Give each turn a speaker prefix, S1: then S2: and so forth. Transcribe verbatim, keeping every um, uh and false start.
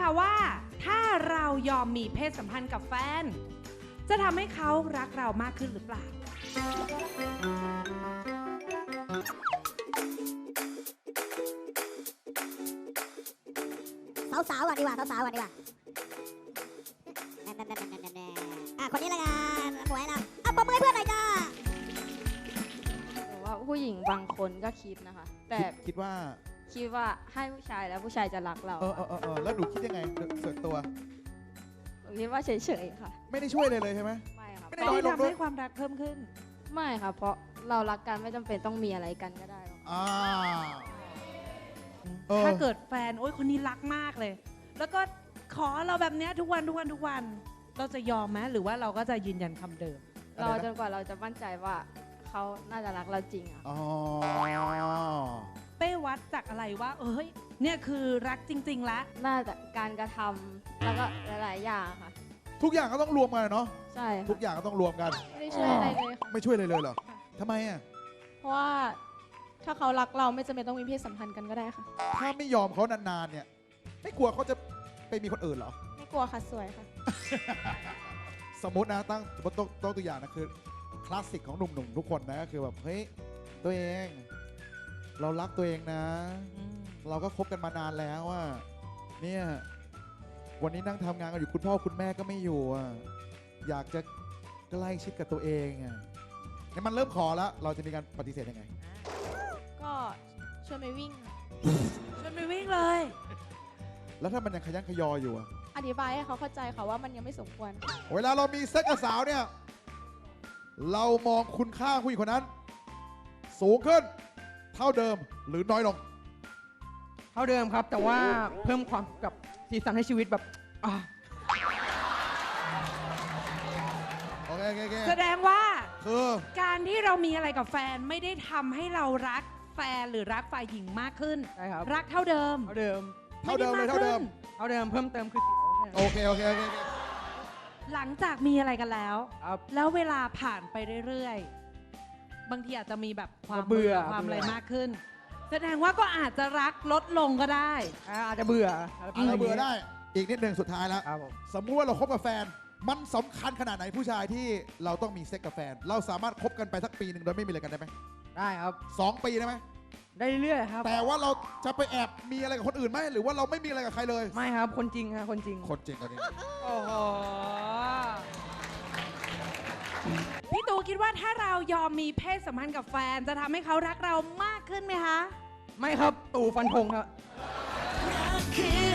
S1: ค่ะว่าถ้าเรายอมมีเพศสัมพันธ์กับแฟนจะทำให้เขารักเรามากขึ้นหรือเปล่า
S2: สาวๆก่อนดีกว่าสาวๆก่อนดีกว่าอ่ะคนนี้ละกันหมวยนะอ่ะปรบมือให้เพื่อนหน่อยจ้า
S3: หรือว่าผู้หญิงบางคนก็คิดนะคะ แต่
S4: คิดคิดว่า
S3: คิดว่าให้ผู้ชายแล้วผู้ชายจะรักเรา
S4: เออเออเออเออแล้วหนูคิดยังไงส่วนตัว
S3: ผมคิดว่าเฉยๆค่ะ
S4: ไม่ได้ช่วยเลยเลยใช่ไหม
S3: ไม่ค่ะ
S4: ไม่ได้
S3: เพราะ
S4: น้อยลง
S1: ทำให้ความรักเพิ่มขึ้น
S3: ไม่ค่ะ เพราะเรารักกันไม่จำเป็นต้องมีอะไรกันก็ได้หรอก
S4: อ่าเออ
S1: ถ้าเกิดแฟนโอ๊ยคนนี้รักมากเลย แล้วก็ขอเราแบบเนี้ยทุกวันทุกวันทุกวัน เราจะยอมไหมหรือว่าเราก็จะยืนยันคำเดิม
S3: รอจนกว่าเราจะมั่นใจว่าเขาน่าจะรักเราจริงอะ
S4: อ๋อ
S1: เป้วัดจากอะไรว่า เอ้ยเนี่ยคือรักจริงๆแล้ว
S3: น่าจะการกระทำแล้วก็หลายๆอย่างค่ะ
S4: ทุกอย่างก็ต้องรวมกันเนาะ
S3: ใช่
S4: ทุ
S3: ค่ะ
S4: กอย่างก็ต้องรวมกัน
S5: ไม่ได้ช่วยอะไรเลยค่ะ
S4: ไม่ช่วยเลยเลยเหรอทำไมอ่ะ
S5: เพราะว่าถ้าเขารักเราไม่จำเป็นต้องมีเพศสัมพันธ์กันก็ได้ค่ะ
S4: ถ้าไม่ยอมเขานานๆเนี่ย ไม่กลัวเขาจะไปมีคนอื่นเหรอ
S5: ไม่กลัวค่ะสวยค่ะ
S4: สมมตินะตั้งสมมติตัวตัวอย่างนะคือคลาสสิกของหนุ่มๆทุกคนนะก็คือแบบเฮ้ยตัวเอง เรารักตัวเองนะ เราก็คบกันมานานแล้วอ่ะเนี่ยวันนี้นั่งทำงานกันอยู่คุณพ่อคุณแม่ก็ไม่อยู่อ่ะอยากจะใกล้ชิดกับตัวเองอ่ะเนี่ยมันเริ่มขอแล้ว เราจะมีการปฏิเสธยังไง
S5: ก็ชวนไปวิ่งค่ะ
S1: ชวนไปวิ่งเลย
S4: แล้วถ้ามันยังขยันขยออยู่อ่ะ
S5: อธิบายให้เขาเข้าใจค่ะว่ามันยังไม่สมควร
S4: เวลาเรามีเซ็กกับสาวเนี่ย เรามองคุณค่าผู้หญิงคนนั้น สูงขึ้น เท่าเดิมหรือน้อยลง
S6: เท่าเดิมครับ แต่ว่าเพิ่มความกับสีสันให้ชีวิตแบบอ่ะ
S4: โอเคโอเคโอเค
S1: แสดงว่า
S4: คือ
S1: การที่เรามีอะไรกับแฟนไม่ได้ทำให้เรารักแฟนหรือรักฝ่ายหญิงมากขึ้น
S6: ใช่ครับ
S1: รักเท่าเดิม
S6: เท่าเดิม
S4: เท่าเดิมเลย
S1: ไได้
S4: เท่าเดิม
S1: ขึ้น
S6: เท่าเดิมเพิ่มเติมคือเสียวแค่นั้น
S4: โอเคโอเคโอเคโอเค
S1: หลังจากมีอะไรกันแล้ว
S6: ครับ
S1: แล้วเวลาผ่านไปเรื่อยๆ บางทีอาจจะมีแบบความ
S6: เบื่อ
S1: ความอะไร
S6: เบื่อ
S1: มากขึ้น แสดงว่าก็อาจจะรักลดลงก็ได้
S6: อ่ะอาจจะเบื่อ
S4: อาจจะเบื่อได้ อีกนิดหนึ่งสุดท้ายแล้ว
S6: ครับผม
S4: สมมุติว่าเราคบกับแฟน มันสำคัญขนาดไหนผู้ชายที่เราต้องมีเซ็กกับแฟน เราสามารถคบกันไปสักปีหนึ่งโดยไม่มีอะไรกันได้ไหม
S6: ได้ครับ
S4: สองปีได้ไหม
S6: ได้เรื่อยๆครับ
S4: แต่ว่าเราจะไปแอบมีอะไรกับคนอื่นไหมหรือว่าเราไม่มีอะไรกับใครเลย
S6: ไม่ครับคนจริงครับคนจริง
S4: คนจริงกันจริง
S1: โอ้โห พี่ตูคิดว่าถ้าเรายอมมีเพศสัมพันธ์กับแฟน จะทำให้เขารักเรามากขึ้นไหมคะ
S6: ไม่ครับตู่ฟันธงครับ
S1: คือ